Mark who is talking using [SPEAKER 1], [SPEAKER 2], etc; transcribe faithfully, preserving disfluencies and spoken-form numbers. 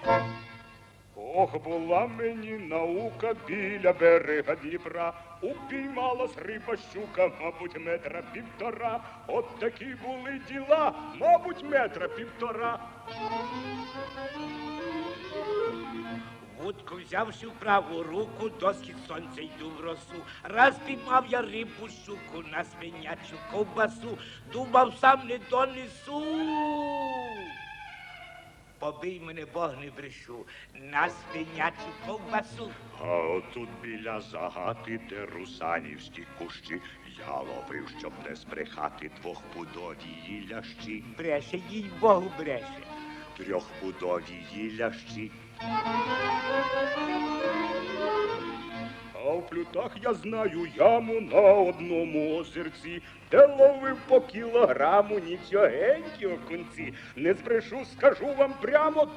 [SPEAKER 1] Ох, була мені наука біля берега Дніпра, упіймалась риба щука, мабуть, метра півтора. От такі були діла, мабуть, метра півтора.
[SPEAKER 2] Вудку взявши в праву руку, до схід сонця йду в росу. Раз піймав я рибу щуку на свинячу ковбасу, думав, сам не донесу. Побий мене, Бог, не брешу, на свинячу ковбасу.
[SPEAKER 1] А отут біля загати, де русанівські кущі, я ловив, щоб не збрехати двохпудові лящі.
[SPEAKER 2] Бреше, їй Богу, бреше.
[SPEAKER 1] Трьохпудові лящі. А в плютах я знаю яму на одному озерці, де ловив по кілограму нічогенькі окунці. Не збрешу, скажу вам прямо,